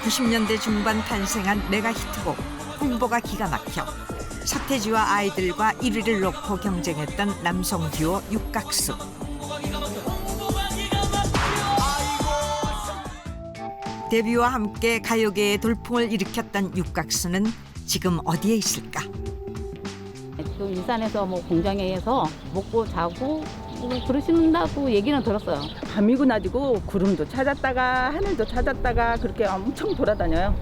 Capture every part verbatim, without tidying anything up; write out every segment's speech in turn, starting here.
구십 년대 중반 탄생한 메가 히트곡 홍보가 기가 막혀 서태지와 아이들과 일 위를 놓고 경쟁했던 남성 듀오 육각수. 데뷔와 함께 가요계의 돌풍을 일으켰던 육각수는 지금 어디에 있을까? 지금 일산에서 뭐 공장에서 먹고 자고 뭐 그러신다고 얘기는 들었어요. 밤이고 낮이고 구름도 찾았다가 하늘도 찾았다가 그렇게 엄청 돌아다녀요.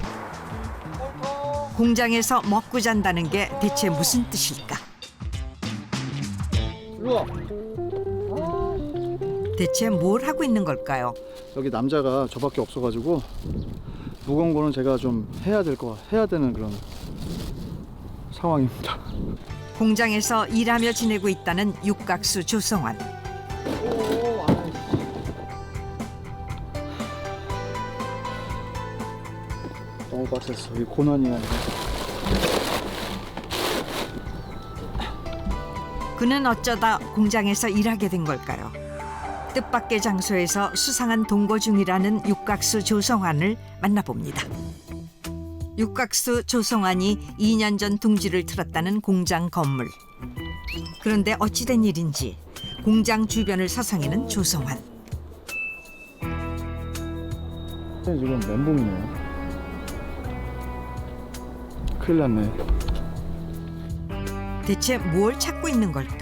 공장에서 먹고 잔다는 게 대체 무슨 뜻일까? 일로 와. 대체 뭘 하고 있는 걸까요? 여기 남자가 저밖에 없어가지고 무거운 거는 제가 좀 해야 될 거 해야 되는 그런 상황입니다. 공장에서 일하며 지내고 있다는 육각수 조성환. 오, 아이씨. 너무 빡셌어. 이 고난이야. 그는 어쩌다 공장에서 일하게 된 걸까요? 뜻밖의 장소에서 수상한 동거 중이라는 육각수 조성환을 만나봅니다. 육각수 조성환이 이 년 전 둥지를 틀었다는 공장 건물. 그런데 어찌된 일인지 공장 주변을 서성이는 조성환. 지금 멘붕이네. 큰일 났네. 대체 뭘 찾고 있는 걸까?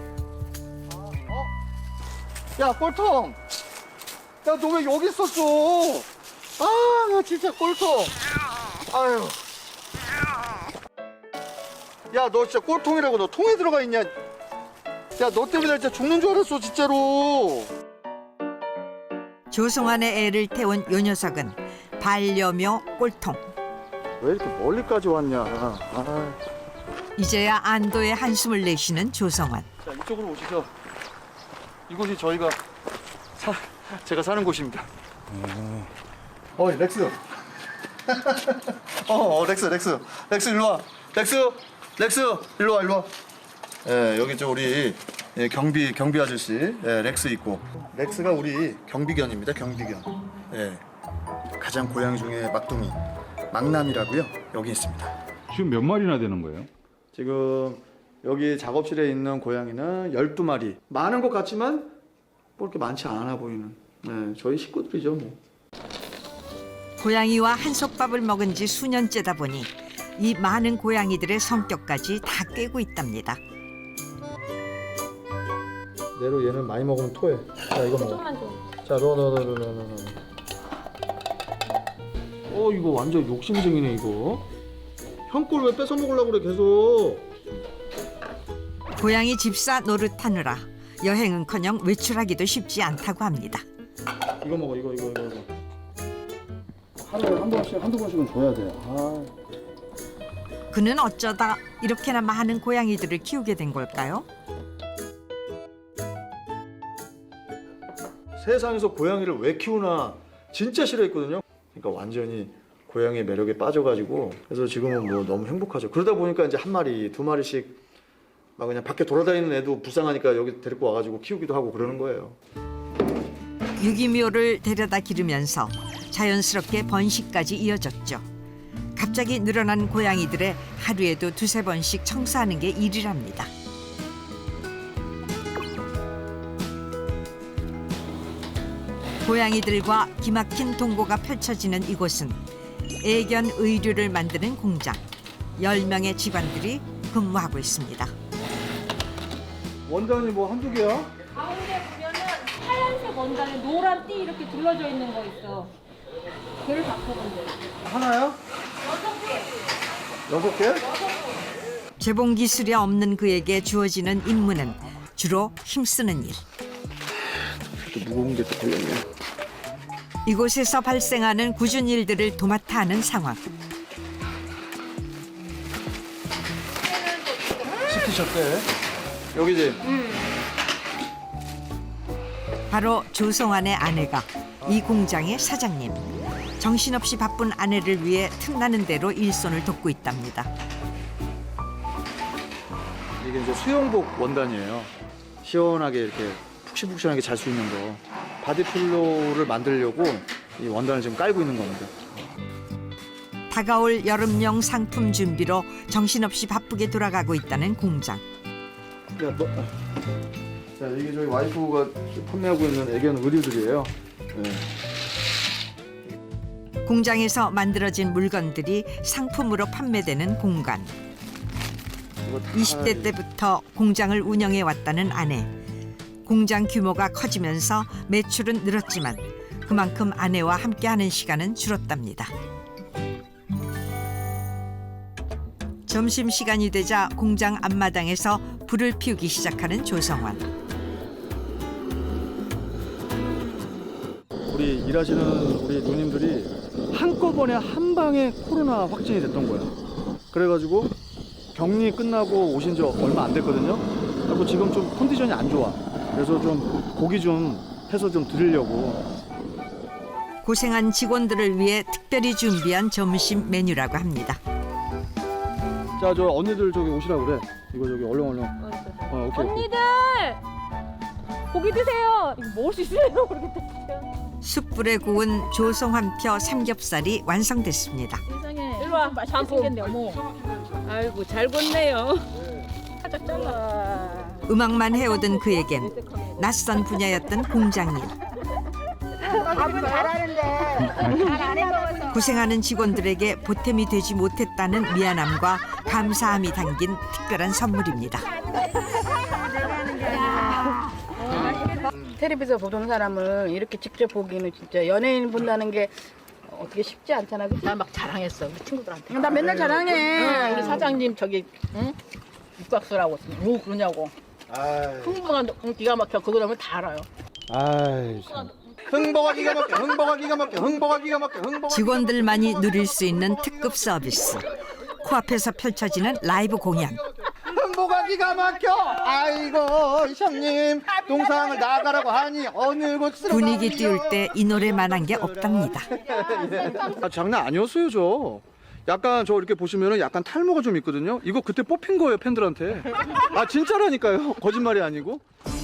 야, 꼴통! 야, 너 왜 여기 있었어? 아, 나 진짜 꼴통! 아유. 야, 너 진짜 꼴통이라고. 너 통에 들어가 있냐? 야, 너 때문에 나 진짜 죽는 줄 알았어, 진짜로. 조성환의 애를 태운 요 녀석은 반려묘 꼴통. 왜 이렇게 멀리까지 왔냐? 아. 이제야 안도의 한숨을 내쉬는 조성환. 자, 이쪽으로 오시죠. 이곳이 저희가 사, 제가 사는 곳입니다. 음. 어, 렉스. 어, 어, 렉스, 렉스. 렉스 일로 와. 렉스, 렉스 일로 와, 일로 와. 예, 여기 저 우리 예, 경비 경비 아저씨, 예, 렉스 있고. 렉스가 우리 경비견입니다. 경비견. 예, 가장 고양이 중에 막둥이, 망남이라고요. 여기 있습니다. 지금 몇 마리나 되는 거예요? 지금 여기 작업실에 있는 고양이는 열두 마리. 많은 것 같지만 뭐 이렇게 많지 않아 보이는 네, 저희 식구들이죠 뭐. 고양이와 한솥밥을 먹은 지 수년째다 보니 이 많은 고양이들의 성격까지 다 꿰고 있답니다. 내로 얘는 많이 먹으면 토해. 자, 이거 먹어. 자, 넣어 넣어 넣어 넣어 넣어 넣어. 어, 이거 완전 욕심쟁이네 이거. 형 걸 왜 뺏어 먹으려고 그래 계속. 고양이 집사 노릇하느라 여행은커녕 외출하기도 쉽지 않다고 합니다. 이거 먹어 이거 이거 이거 이거. 하루에 한 번씩 한두 번씩은 줘야 돼. 아. 그는 어쩌다 이렇게나 많은 고양이들을 키우게 된 걸까요? 세상에서 고양이를 왜 키우나 진짜 싫어했거든요. 그러니까 완전히 고양이의 매력에 빠져가지고 그래서 지금은 뭐 너무 행복하죠. 그러다 보니까 이제 한 마리, 두 마리씩 막 그냥 밖에 돌아다니는 애도 불쌍하니까 여기 데리고 와가지고 키우기도 하고 그러는 거예요. 유기묘를 데려다 기르면서 자연스럽게 번식까지 이어졌죠. 갑자기 늘어난 고양이들의 하루에도 두세 번씩 청소하는 게 일이랍니다. 고양이들과 기막힌 동거가 펼쳐지는 이곳은 애견 의류를 만드는 공장. 열 명의 직원들이 근무하고 있습니다. 원단이 뭐 한두 개야? 가운데 보면은 하얀색 원단에 노란 띠 이렇게 둘러져 있는 거 있어. 걔를 바꿔본 돼. 하나야? 여섯 개. 여섯 개? 재봉 기술이 없는 그에게 주어지는 임무는 주로 힘쓰는 일. 또 무거운 게 또 걸렸네. 이곳에서 발생하는 굳은 일들을 도맡아 하는 상황. 시키셨대. 여기지? 바로 조성환의 아내가 이 공장의 사장님. 정신없이 바쁜 아내를 위해 틈나는 대로 일손을 돕고 있답니다. 이게 이제 수영복 원단이에요. 시원하게 이렇게 푹신푹신하게 잘 수 있는 거. 바디필로를 만들려고 이 원단을 지금 깔고 있는 겁니다. 다가올 여름용 상품 준비로 정신없이 바쁘게 돌아가고 있다는 공장. 야, 뭐, 자, 이게 저희 와이프가 판매하고 있는 애견 의류들이에요. 네. 공장에서 만들어진 물건들이 상품으로 판매되는 공간. 이거 다 이십 대 때부터 공장을 운영해 왔다는 아내. 공장 규모가 커지면서 매출은 늘었지만 그만큼 아내와 함께하는 시간은 줄었답니다. 점심시간이 되자 공장 앞마당에서 불을 피우기 시작하는 조성환. 우리 일하시는 우리 누님들이 한꺼번에 한 방에 코로나 확진이 됐던 거야. 그래가지고 격리 끝나고 오신 지 얼마 안 됐거든요. 그리고 지금 좀 컨디션이 안 좋아. 그래서 좀 고기 좀 해서 좀 드리려고. 고생한 직원들을 위해 특별히 준비한 점심 메뉴라고 합니다. 자, 저 언니들 저기 오시라고 그래. 이거 저기 얼른 얼른. 어, 오케이. 언니들 고기 드세요. 이거 먹을 수 있어요? 그렇게 드세요. 숯불에 구운 조성환표 삼겹살이 완성됐습니다. 세상에. 일로 와. 맛있게 생겼네, 어머. 아이고, 잘 걷네요. 살짝 잘라. 음악만 해오던 그에겐 낯선 분야였던 공장 일. 밥은 잘하는데 잘안 해먹어서. 고생하는 직원들에게 보탬이 되지 못했다는 미안함과 감사함이 담긴 특별한 선물입니다. 텔레비전 보던 사람은 이렇게 직접 보기는 진짜 연예인 본다는 게 어떻게 쉽지 않잖아. 나 막 자랑했어 우리 친구들한테. 나 맨날 자랑해. 응, 우리 사장님 저기 응? 육각수라고 뭐 그러냐고. 아이, 흥분한 기가 막혀. 그거 하면 다 알아요. 아이. 참. 흥보가 기가 막혀. 흥보가 기가 막혀. 흥보가 기가 막혀. 흥보가. 직원들만이 누릴 수 있는 특급 서비스. 코앞에서 펼쳐지는 라이브 공연. 흥보가 기가 막혀. 아이고 형님 동상을 나가라고 하니 어느 곳으로 분위기 띄울 때 이 노래만한 게 없답니다. 아, 장난 아니었어요 저. 약간 저 이렇게 보시면은 약간 탈모가 좀 있거든요. 이거 그때 뽑힌 거예요 팬들한테. 아 진짜라니까요. 거짓말이 아니고.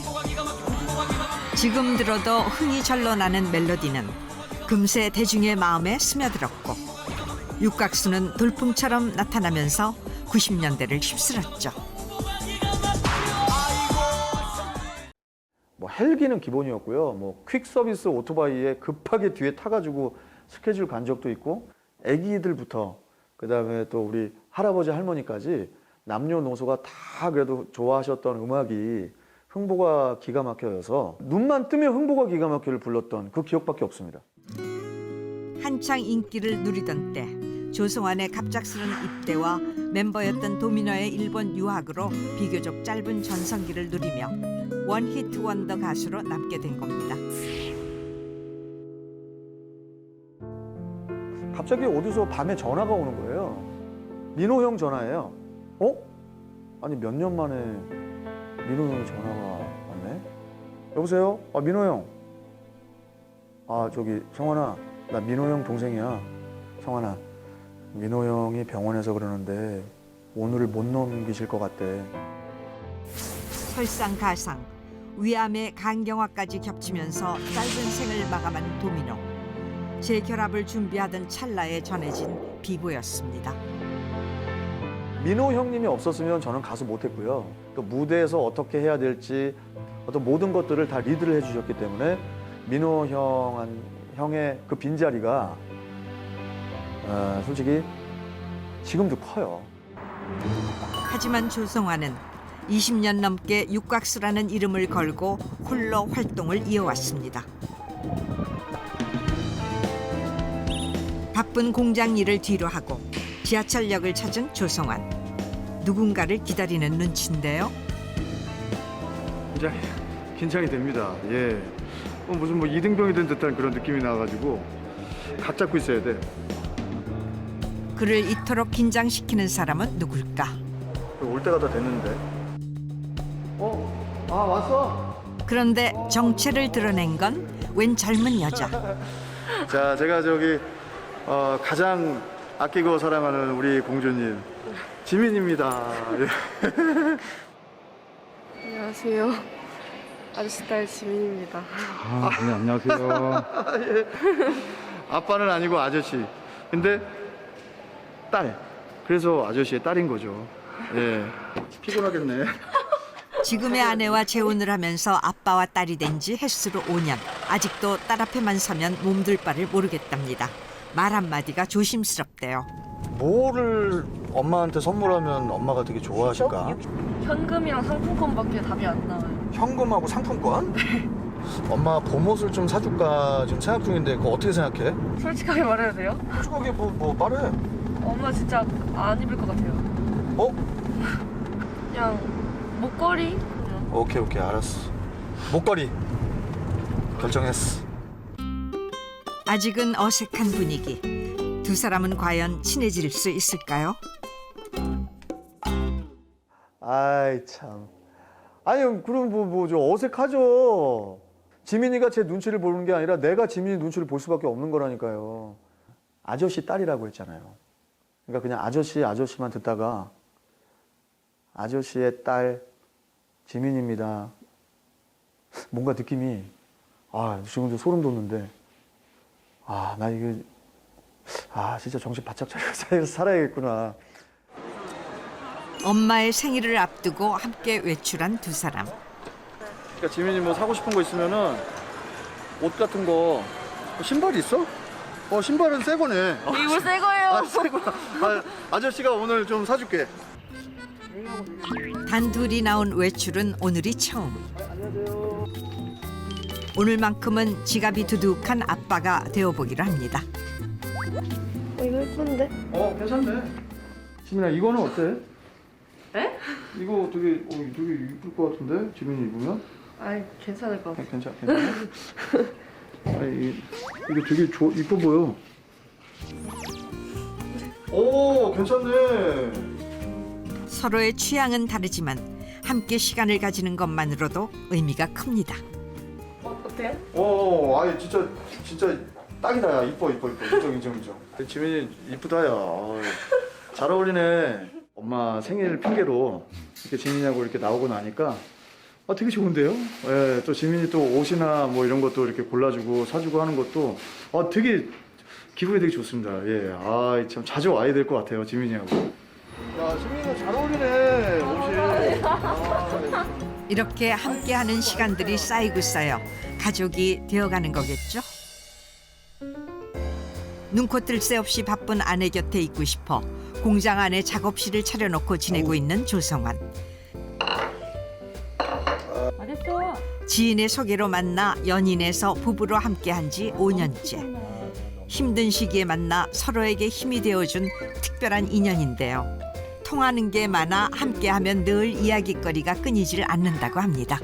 지금 들어도 흥이 절로 나는 멜로디는 금세 대중의 마음에 스며들었고 육각수는 돌풍처럼 나타나면서 구십 년대를 휩쓸었죠. 뭐 헬기는 기본이었고요. 뭐 퀵 서비스 오토바이에 급하게 뒤에 타가지고 스케줄 간 적도 있고, 아기들부터 그다음에 또 우리 할아버지 할머니까지 남녀노소가 다 그래도 좋아하셨던 음악이 흥보가 기가 막혀여서 눈만 뜨면 흥보가 기가 막혀를 불렀던 그 기억밖에 없습니다. 한창 인기를 누리던 때 조성환의 갑작스런 입대와 멤버였던 도미노의 일본 유학으로 비교적 짧은 전성기를 누리며 원히트 원더 가수로 남게 된 겁니다. 갑자기 어디서 밤에 전화가 오는 거예요. 민호 형 전화예요. 어? 아니 몇 년 만에 민호 형이 전화가 왔네. 여보세요? 아 민호 형. 아 저기 성환아, 나 민호 형 동생이야. 성환아, 민호 형이 병원에서 그러는데 오늘을 못 넘기실 것 같대. 설상가상, 위암의 간경화까지 겹치면서 짧은 생을 마감한 도미노. 재결합을 준비하던 찰나에 전해진 비보였습니다. 민호 형님이 없었으면 저는 가수 못했고요. 또 무대에서 어떻게 해야 될지 어떤 모든 것들을 다 리드를 해주셨기 때문에 민호 형, 형의 그 빈자리가 어, 솔직히 지금도 커요. 하지만 조성환은 이십 년 넘게 육각수라는 이름을 걸고 홀로 활동을 이어왔습니다. 바쁜 공장 일을 뒤로 하고 지하철역을 찾은 조성환. 누군가를 기다리는 눈치인데요. 긴장이, 긴장이 됩니다. 예. 어, 무슨 뭐 이등병이 된 듯한 그런 느낌이 나가지고 각 잡고 있어야 돼. 그를 이토록 긴장시키는 사람은 누굴까? 올 때가 다 됐는데. 어? 아 왔어? 그런데 정체를 드러낸 건 웬 젊은 여자. 자, 제가 저기 어, 가장 아끼고 사랑하는 우리 공주님 지민입니다. 예. 안녕하세요. 아저씨 딸 지민입니다. 아, 네, 안녕하세요. 아빠는 아니고 아저씨. 근데 딸. 그래서 아저씨의 딸인 거죠. 예. 피곤하겠네. 지금의 아내와 재혼을 하면서 아빠와 딸이 된 지 햇수로 오 년. 아직도 딸 앞에만 서면 몸둘 바를 모르겠답니다. 말 한마디가 조심스럽대요. 뭐를 엄마한테 선물하면 엄마가 되게 좋아하실까? 현금이랑 상품권밖에 답이 안 나와요. 현금하고 상품권? 엄마 봄옷을 좀 사줄까 지금 생각 중인데 그거 어떻게 생각해? 솔직하게 말해도 돼요? 솔직하게 뭐, 뭐 말해. 엄마 진짜 안 입을 것 같아요. 어? 그냥 목걸이? 그냥. 오케이 오케이 알았어. 목걸이 결정했어. 아직은 어색한 분위기. 두 사람은 과연 친해질 수 있을까요? 아이 참. 아니 그럼 뭐 뭐 좀 어색하죠. 지민이가 제 눈치를 보는 게 아니라 내가 지민이 눈치를 볼 수밖에 없는 거라니까요. 아저씨 딸이라고 했잖아요. 그러니까 그냥 아저씨 아저씨만 듣다가 아저씨의 딸 지민입니다. 뭔가 느낌이 아 지금도 소름 돋는데 아 나 이거 아 진짜 정신 바짝 차리고 살아야겠구나. 엄마의 생일을 앞두고 함께 외출한 두 사람. 그러니까 지민이 뭐 사고 싶은 거 있으면은 옷 같은 거 신발 있어? 어 신발은 새 거네. 이거 새 거예요. 아, 새 거. 아, 아저씨가 오늘 좀 사줄게. 단둘이 나온 외출은 오늘이 처음. 오늘만큼은 지갑이 두둑한 아빠가 되어보기로 합니다. 어, 이거 예쁜데? 어 괜찮네. 지민아 이거는 어때? 에? 이거 되게 어, 되게 이쁠 것 같은데 지민이 입으면? 아이, 괜찮을 것 같아. 괜찮 괜찮아. 아니 이- 이게 되게 좋 이뻐 보여. 오 괜찮네. 서로의 취향은 다르지만 함께 시간을 가지는 것만으로도 의미가 큽니다. 어, 어때요? 어, 아니 진짜 진짜 딱이다. 야. 이뻐 이뻐 이뻐. 인정 인정 인정. 지민이 이쁘다야. 어이, 잘 어울리네. 엄마 생일 핑계로 이렇게 지민이하고 이렇게 나오고 나니까 아 되게 좋은데요? 예, 또 지민이 또 옷이나 뭐 이런 것도 이렇게 골라주고 사주고 하는 것도 아 되게 기분이 되게 좋습니다. 예, 아 참 자주 와야 될 것 같아요 지민이하고. 야 지민이가 잘 어울리네 옷이. 아, 이렇게 함께하는 시간들이 쌓이고 쌓여 가족이 되어가는 거겠죠? 눈코 뜰 새 없이 바쁜 아내 곁에 있고 싶어 공장 안에 작업실을 차려놓고 지내고 있는 조성환. 맞았어. 지인의 소개로 만나 연인에서 부부로 함께한 지 오 년째. 힘든 시기에 만나 서로에게 힘이 되어준 특별한 인연인데요. 통하는 게 많아 함께하면 늘 이야깃거리가 끊이질 않는다고 합니다.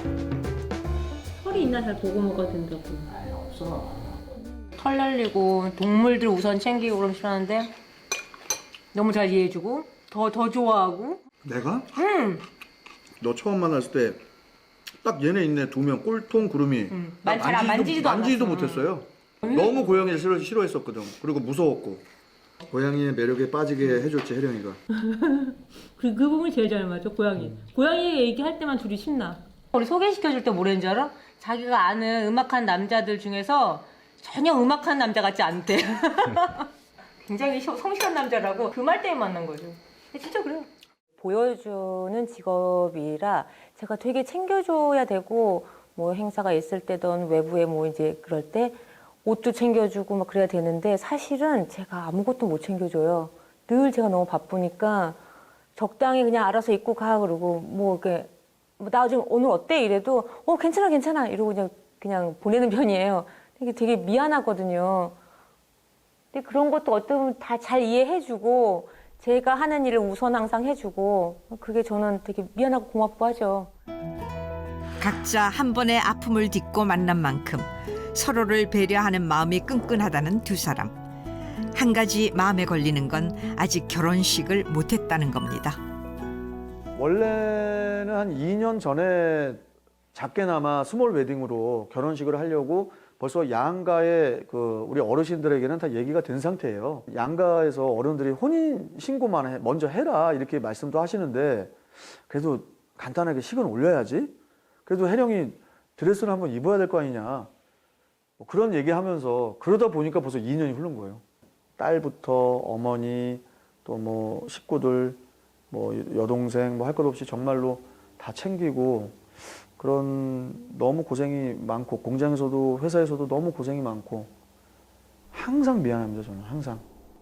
털이 있나 잘 보고 먹어야 된다고. 없어. 털 날리고 동물들 우선 챙기고 그럼 싫어하는데 너무 잘 이해해주고 더 더 좋아하고. 내가? 응. 너 처음 만났을 때 딱 얘네 있네 두 명 꼴통 구름이. 응. 나 만- 잘안 만지지도 만지지도 않았어. 못했어요. 너무 고양이를 싫어, 싫어했었거든. 그리고 무서웠고. 고양이의 매력에 빠지게 해줬지 혜령이가. 그, 그 부분이 제일 잘 맞아, 고양이. 고양이 얘기할 때만 둘이 신나. 우리 소개시켜줄 때 뭐라는 줄 알아? 자기가 아는 음악한 남자들 중에서 전혀 음악한 남자 같지 않대. 굉장히 시- 성실한 남자라고 그 말 때문에 만난 거죠. 근데 진짜 그래요. 보여주는 직업이라 제가 되게 챙겨줘야 되고 뭐 행사가 있을 때든 외부에 뭐 이제 그럴 때 옷도 챙겨주고 막 그래야 되는데 사실은 제가 아무것도 못 챙겨줘요. 늘 제가 너무 바쁘니까 적당히 그냥 알아서 입고 가 그러고 뭐 이렇게 뭐 나 지금 오늘 어때 이래도 어 괜찮아 괜찮아 이러고 그냥 그냥 보내는 편이에요. 되게 되게 미안하거든요. 근데 그런 것도 어쩌면 다 잘 이해해주고 제가 하는 일을 우선 항상 해주고 그게 저는 되게 미안하고 고맙고 하죠. 각자 한 번의 아픔을 딛고 만난 만큼 서로를 배려하는 마음이 끈끈하다는 두 사람. 한 가지 마음에 걸리는 건 아직 결혼식을 못했다는 겁니다. 원래는 한 이 년 전에 작게나마 스몰 웨딩으로 결혼식을 하려고 벌써 양가의 그 우리 어르신들에게는 다 얘기가 된 상태예요. 양가에서 어른들이 혼인 신고만 해, 먼저 해라 이렇게 말씀도 하시는데 그래도 간단하게 식은 올려야지. 그래도 혜령이 드레스를 한번 입어야 될 거 아니냐. 뭐 그런 얘기하면서 그러다 보니까 벌써 이 년이 흐른 거예요. 딸부터 어머니, 또 뭐 식구들, 뭐 여동생 뭐 할 것 없이 정말로 다 챙기고 그런 너무 고생이 많고 공장에서도 회사에서도 너무 고생이 많고 항상 미안합니다. 저는 항상.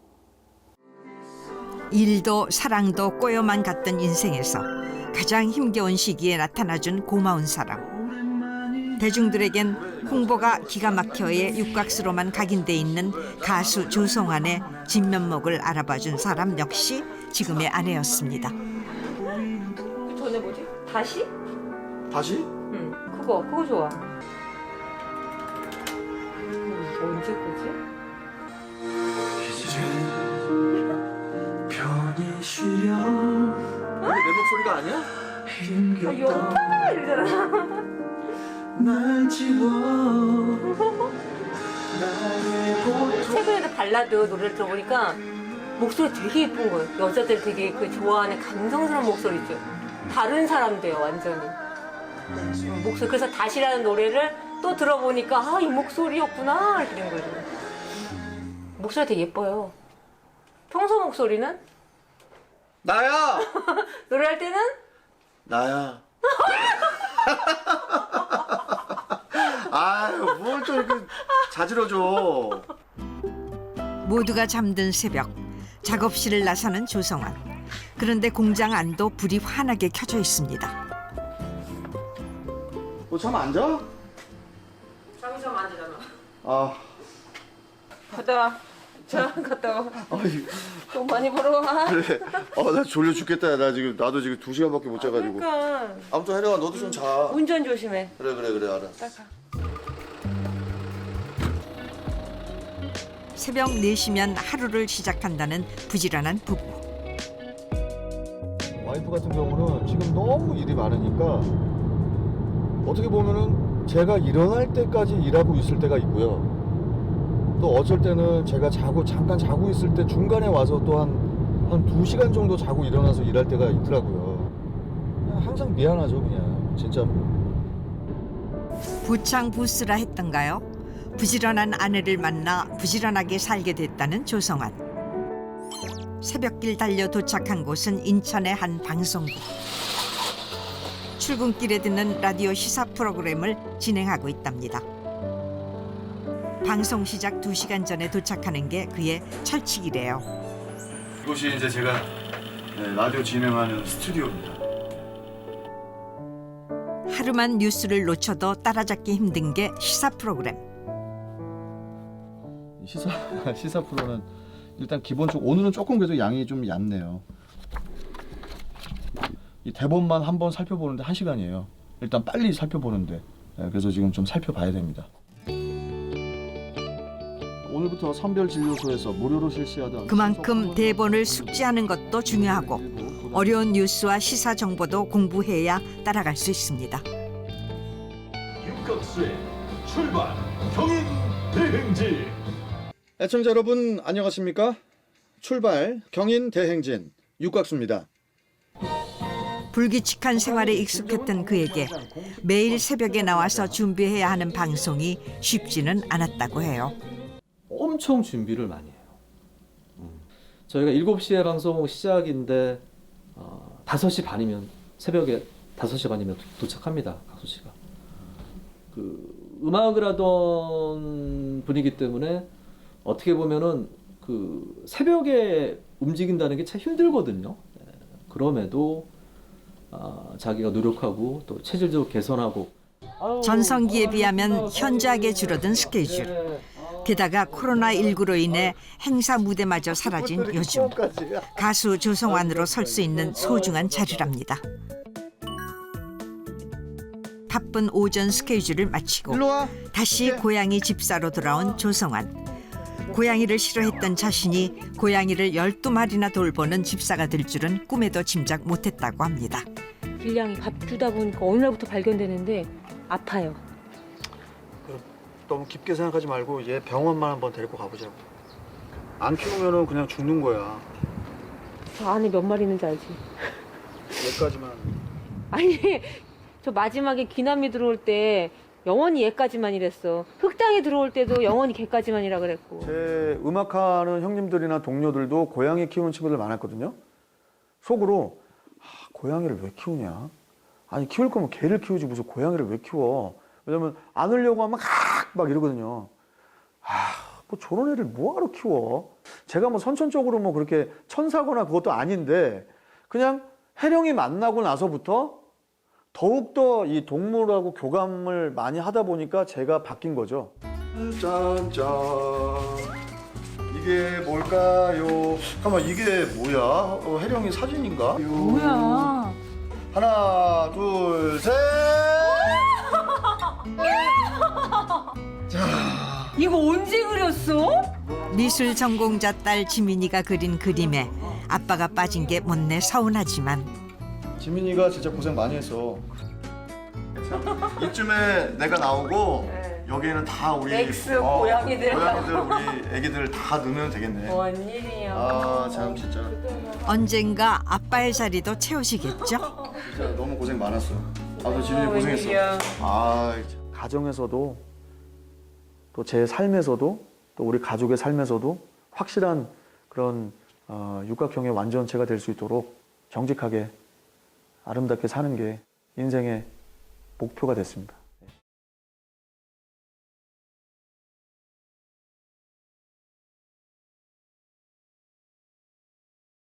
일도 사랑도 꼬여만 갔던 인생에서 가장 힘겨운 시기에 나타나준 고마운 사람. 대중들에겐 홍보가 기가 막혀의 육각수로만 각인돼 있는 가수 조성환의 진면목을 알아봐준 사람 역시 지금의 아내였습니다. 전에 뭐지? 다시? 다시? 응, 그거 그거 좋아. 음, 언제 거지? 이게 내 목소리가 아니야? 아, 여파 이러잖아. 최근에도 발라드 노래를 들어보니까 목소리 되게 예쁜 거예요. 여자들 되게 그 좋아하는 감성스러운 목소리 있죠. 다른 사람 돼요, 완전히. 음, 목소리. 그래서 다시라는 노래를 또 들어보니까 아, 이 목소리였구나 이렇게 된 거죠. 목소리 되게 예뻐요. 평소 목소리는? 나야. 노래할 때는? 나야. 아유, 뭘 또 이렇게 자지러져. 모두가 잠든 새벽 작업실을 나서는 조성환. 그런데 공장 안도 불이 환하게 켜져 있습니다. 너 잠 안 자? 잠이 좀 안 자잖아. 아, 갔다 와. 자, 갔다 와. 아이, 돈 많이 벌어와. 그래. 어, 나 졸려 죽겠다. 나 지금 나도 지금 두 시간밖에 못 자가지고. 그러니까 아무튼 혜령아, 너도 좀 자. 운전 조심해. 그래, 그래, 그래, 알아. 새벽 네 시면 하루를 시작한다는 부지런한 부부. 와이프 같은 경우는 지금 너무 일이 많으니까 어떻게 보면은 제가 일어날 때까지 일하고 있을 때가 있고요. 또 어쩔 때는 제가 자고 잠깐 자고 있을 때 중간에 와서 또 한 한 두 시간 정도 자고 일어나서 일할 때가 있더라고요. 그냥 항상 미안하죠, 그냥 진짜. 부창부스라 했던가요? 부지런한 아내를 만나 부지런하게 살게 됐다는 조성환. 새벽길 달려 도착한 곳은 인천의 한 방송국. 출근길에 듣는 라디오 시사 프로그램을 진행하고 있답니다. 방송 시작 두 시간 전에 도착하는 게 그의 철칙이래요. 이곳이 이제 제가 네, 라디오 진행하는 스튜디오입니다. 하루만 뉴스를 놓쳐도 따라잡기 힘든 게 시사 프로그램. 시사 시사 프로는 일단 기본적으로 오늘은 조금 그래도 양이 좀 얕네요. 이 대본만 한번 살펴보는데 한 시간이에요. 일단 빨리 살펴보는데 네, 그래서 지금 좀 살펴봐야 됩니다. 오늘부터 선별진료소에서 무료로 실시하던 그만큼 대본을 숙지하는 것도 중요하고 어려운 뉴스와 시사 정보도 공부해야 따라갈 수 있습니다. 육각수의 출발 경인 대행진. 애청자 여러분 안녕하십니까? 출발 경인 대행진 육각수입니다. 불규칙한 생활에 익숙했던 그에게 매일 새벽에 나와서 준비해야 하는 방송이 쉽지는 않았다고 해요. 엄청 준비를 많이 해요. 음. 저희가 일곱 시에 방송 시작인데 어, 다섯 시 반이면 새벽에 다섯 시 반이면 도착합니다. 각수 씨가. 그 음악을 하던 분이기 때문에 어떻게 보면은 그 새벽에 움직인다는 게 참 힘들거든요. 네. 그럼에도 아, 자기가 노력하고 또 체질적으로 개선하고 전성기에 비하면 현저하게 줄어든 스케줄. 게다가 코로나십구로 인해 행사 무대마저 사라진 요즘. 가수 조성환으로 설 수 있는 소중한 자리랍니다. 바쁜 오전 스케줄을 마치고 다시 고양이 집사로 돌아온 조성환. 고양이를 싫어했던 자신이 고양이를 열두 마리나 돌보는 집사가 될 줄은 꿈에도 짐작 못했다고 합니다. 길냥이 밥 주다 보니까 어느 날부터 발견되는데 아파요. 너무 깊게 생각하지 말고 얘 병원만 한번 데리고 가보자고. 안 키우면은 그냥 죽는 거야. 저 안에 몇 마리 있는지 알지? 얘까지만. 아니 저 마지막에 귀남이 들어올 때 영원히 얘까지만 이랬어. 흑당에 들어올 때도 영원히 걔까지만이라 그랬고. 제 음악하는 형님들이나 동료들도 고양이 키우는 친구들 많았거든요. 속으로 아, 고양이를 왜 키우냐? 아니 키울 거면 개를 키우지 무슨 고양이를 왜 키워? 왜냐면 안으려고 하면 막 이러거든요. 아, 뭐 저런 애를 뭐하러 키워? 제가 뭐 선천적으로 뭐 그렇게 천사거나 그것도 아닌데 그냥 혜령이 만나고 나서부터 더욱더 이 동물하고 교감을 많이 하다 보니까 제가 바뀐 거죠. 짠짠. 이게 뭘까요? 잠깐만 이게 뭐야? 어, 혜령이 사진인가? 뭐야? 하나, 둘, 셋. 이거 언제 그렸어? 미술 전공자 딸 지민이가 그린 그림에 아빠가 빠진 게 못내 서운하지만 지민이가 진짜 고생 많이 했어. 이쯤에 내가 나오고 여기에는 다 우리 렉스, 고양이들. 고양이들 우리 애기들 다 넣으면 되겠네. 뭔 일이야. 아 참 진짜 언젠가 아빠의 자리도 채우시겠죠? 진짜 너무 고생 많았어. 아무튼 지민이 고생했어. 아 가정에서도 또 제 삶에서도 또 우리 가족의 삶에서도 확실한 그런 어, 육각형의 완전체가 될 수 있도록 정직하게 아름답게 사는 게 인생의 목표가 됐습니다.